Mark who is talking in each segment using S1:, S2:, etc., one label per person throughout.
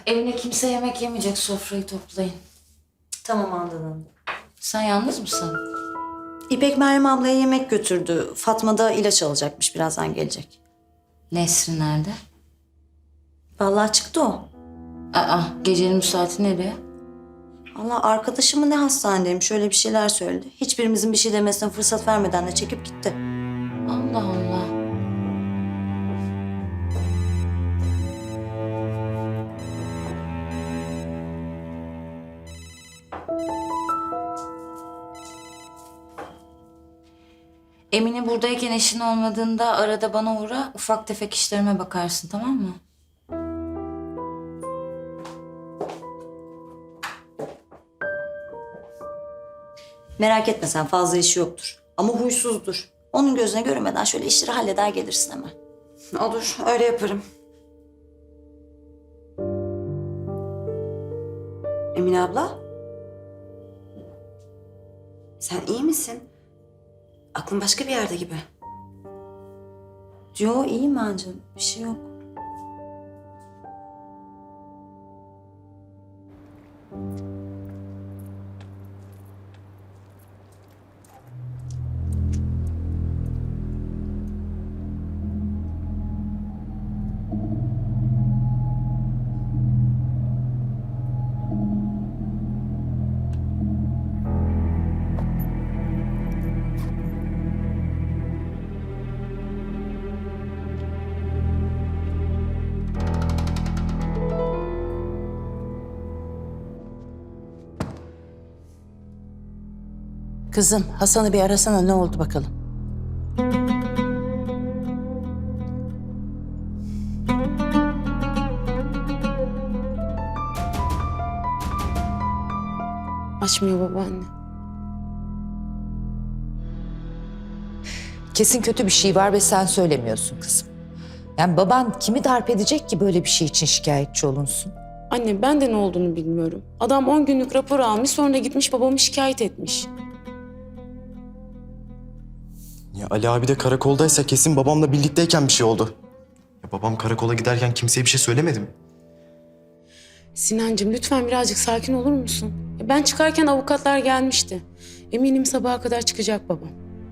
S1: Evine kimse yemek yemeyecek, sofrayı toplayın.
S2: Tamam Handan Hanım.
S1: Sen yalnız mısın?
S2: İpek Meryem ablaya yemek götürdü. Fatma da ilaç alacakmış, birazdan gelecek.
S1: Nesrin nerede?
S2: Vallahi çıktı o.
S1: Gecenin bu saati nereye?
S2: Allah arkadaşımı ne hastanedeymiş, şöyle bir şeyler söyledi. Hiçbirimizin bir şey demesine fırsat vermeden de çekip gitti.
S1: Allah Allah. Emine buradayken eşin olmadığında arada bana uğra, ufak tefek işlerime bakarsın, tamam mı?
S2: Merak etme sen, fazla işi yoktur. Ama huysuzdur. Onun gözüne görünmeden şöyle işleri halleder gelirsin hemen.
S3: Olur, öyle yaparım. Emine abla? Sen iyi misin? Aklın başka bir yerde gibi.
S2: Yo iyiyim bence, bir şey yok.
S4: Kızım, Hasan'ı bir arasana, ne oldu bakalım?
S5: Açmıyor babaanne.
S6: Kesin kötü bir şey var ve sen söylemiyorsun kızım. Yani baban kimi darp edecek ki böyle bir şey için şikayetçi olunsun?
S5: Anne ben de ne olduğunu bilmiyorum. Adam 10 günlük rapor almış, sonra gitmiş babamı şikayet etmiş.
S7: Ya Ali abi de karakoldaysa kesin babamla birlikteyken bir şey oldu. Ya babam karakola giderken kimseye bir şey söylemedi mi?
S5: Sinancığım lütfen birazcık sakin olur musun? Ben çıkarken avukatlar gelmişti. Eminim sabaha kadar çıkacak babam.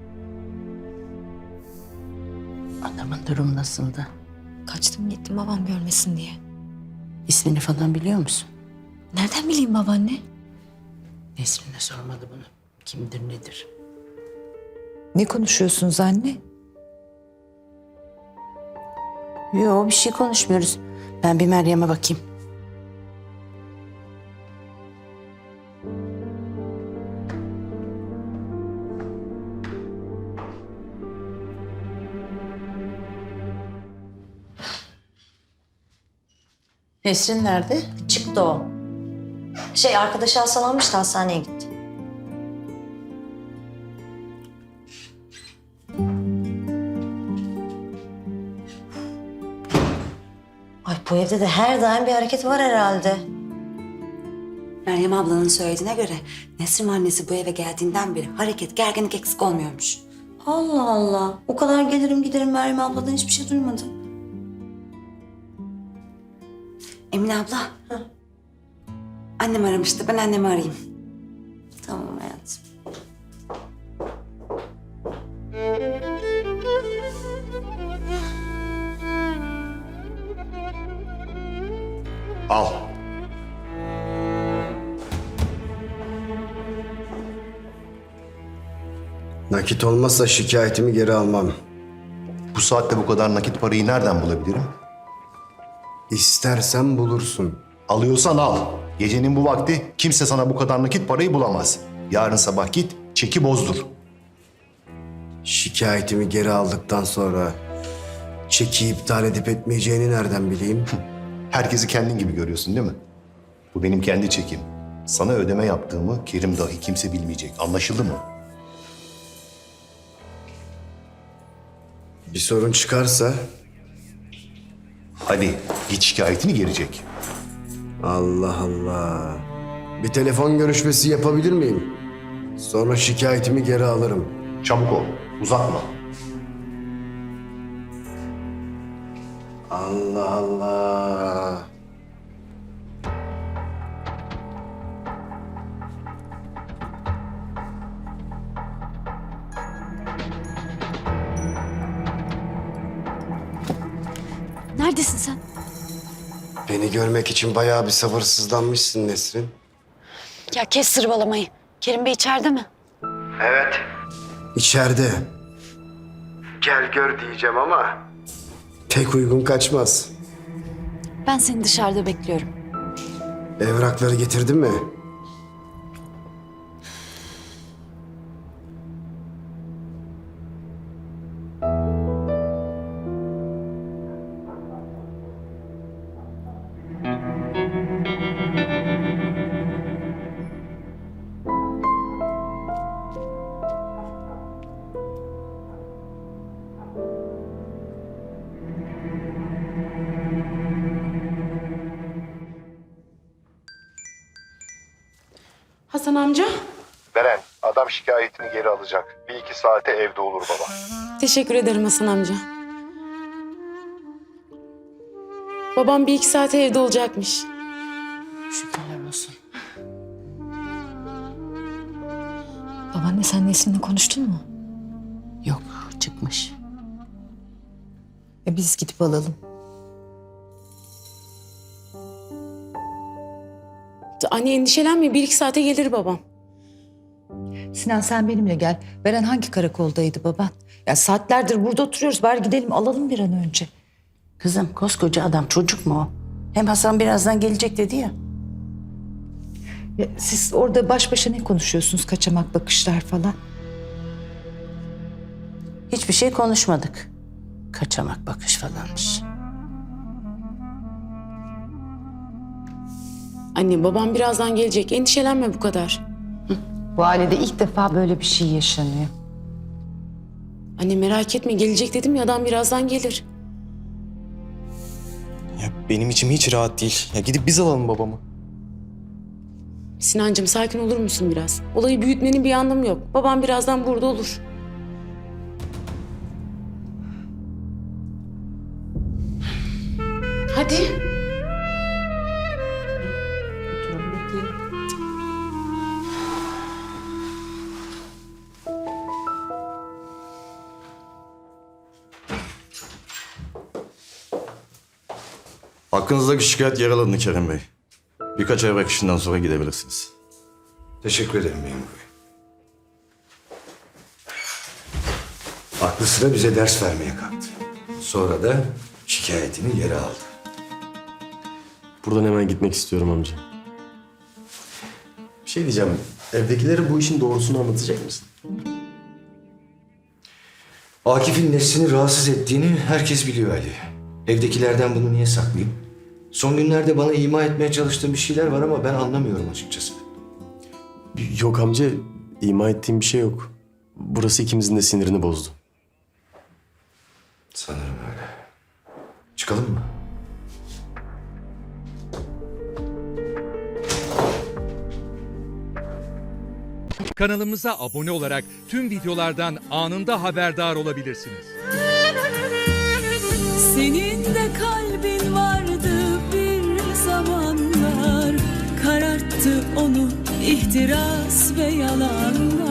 S4: Adamın durumu nasıldı?
S8: Kaçtım gittim babam görmesin diye.
S4: İsmini falan biliyor musun?
S8: Nereden bileyim babaanne?
S4: Nesrin'e sormadı bunu. Kimdir nedir?
S6: Ne konuşuyorsunuz anne?
S4: Yo, bir şey konuşmuyoruz. Ben bir Meryem'e bakayım. Nesrin nerede?
S2: Çıktı o. Arkadaşı hastalanmış da hastaneye gitti. Ay bu evde de her daim bir hareket var herhalde.
S3: Meryem ablanın söylediğine göre Nesrin annesi bu eve geldiğinden beri hareket, gerginlik eksik olmuyormuş.
S2: Allah Allah. O kadar gelirim giderim Meryem abladan hiçbir şey duymadım.
S3: Emine abla. Annem aramıştı. Ben annemi arayayım.
S2: Tamam hayatım.
S9: Al.
S10: Nakit olmazsa şikayetimi geri almam.
S9: Bu saatte bu kadar nakit parayı nereden bulabilirim?
S10: İstersen bulursun.
S9: Alıyorsan al. Gecenin bu vakti kimse sana bu kadar nakit parayı bulamaz. Yarın sabah git, çeki bozdur.
S10: Şikayetimi geri aldıktan sonra çeki iptal edip etmeyeceğini nereden bileyim?
S9: Herkesi kendin gibi görüyorsun değil mi? Bu benim kendi çekim. Sana ödeme yaptığımı Kerim dahi kimse bilmeyecek. Anlaşıldı mı?
S10: Bir sorun çıkarsa
S9: Hadi git şikayetini geri çek.
S10: Allah Allah. Bir telefon görüşmesi yapabilir miyim? Sonra şikayetimi geri alırım.
S9: Çabuk ol, uzatma.
S10: Allah Allah.
S8: Neredesin sen?
S10: Beni görmek için bayağı bir sabırsızlanmışsın Nesrin.
S3: Ya kes sırvalamayı. Kerim Bey içeride mi?
S10: Evet. İçeride. Gel gör diyeceğim ama pek uygun kaçmaz.
S8: Ben seni dışarıda bekliyorum.
S10: Evrakları getirdin mi?
S5: Hasan amca.
S9: Beren, adam şikayetini geri alacak. 1-2 saate evde olur baba.
S5: Teşekkür ederim Hasan amca. Babam 1-2 saate evde olacakmış.
S4: Şükürler olsun.
S8: Babaanne sen Nesrin'le konuştun mu?
S4: Yok, çıkmış.
S6: Biz gidip alalım.
S5: Anne endişelenme 1-2 saate gelir babam.
S6: Sinan sen benimle gel. Beren hangi karakoldaydı baban? Ya saatlerdir burada oturuyoruz. Bari gidelim alalım bir an önce.
S4: Kızım koskoca adam çocuk mu o? Hem Hasan birazdan gelecek dedi ya.
S6: Ya siz orada baş başa ne konuşuyorsunuz? Kaçamak bakışlar falan.
S4: Hiçbir şey konuşmadık. Kaçamak bakış falanmış.
S5: Anne babam birazdan gelecek. Endişelenme bu kadar.
S6: Bu ailede ilk defa böyle bir şey yaşanıyor.
S5: Anne merak etme gelecek dedim ya adam birazdan gelir.
S7: Ya benim içim hiç rahat değil. Ya gidip biz alalım babamı.
S5: Sinancığım sakin olur musun biraz? Olayı büyütmenin bir anlamı yok. Babam birazdan burada olur. Hadi.
S11: Hakkınızdaki şikayet yer alındı Kerim Bey. Birkaç evrak işinden sonra gidebilirsiniz.
S10: Teşekkür ederim memur bey. Aklı sıra bize ders vermeye kalktı. Sonra da şikayetini geri aldı.
S12: Buradan hemen gitmek istiyorum amca. Bir şey diyeceğim. Evdekilere bu işin doğrusunu anlatacak mısın?
S10: Akif'in Nesrin'i rahatsız ettiğini herkes biliyor Ali. Evdekilerden bunu niye saklayayım? Son günlerde bana ima etmeye çalıştığın bir şeyler var ama ben anlamıyorum açıkçası.
S12: Yok amca, ima ettiğim bir şey yok. Burası ikimizin de sinirini bozdu.
S10: Sanırım öyle. Çıkalım mı?
S13: Kanalımıza abone olarak tüm videolardan anında haberdar olabilirsiniz.
S14: Senin de kalbin vardı bir zamanlar, kararttı onu ihtiras ve yalanlar.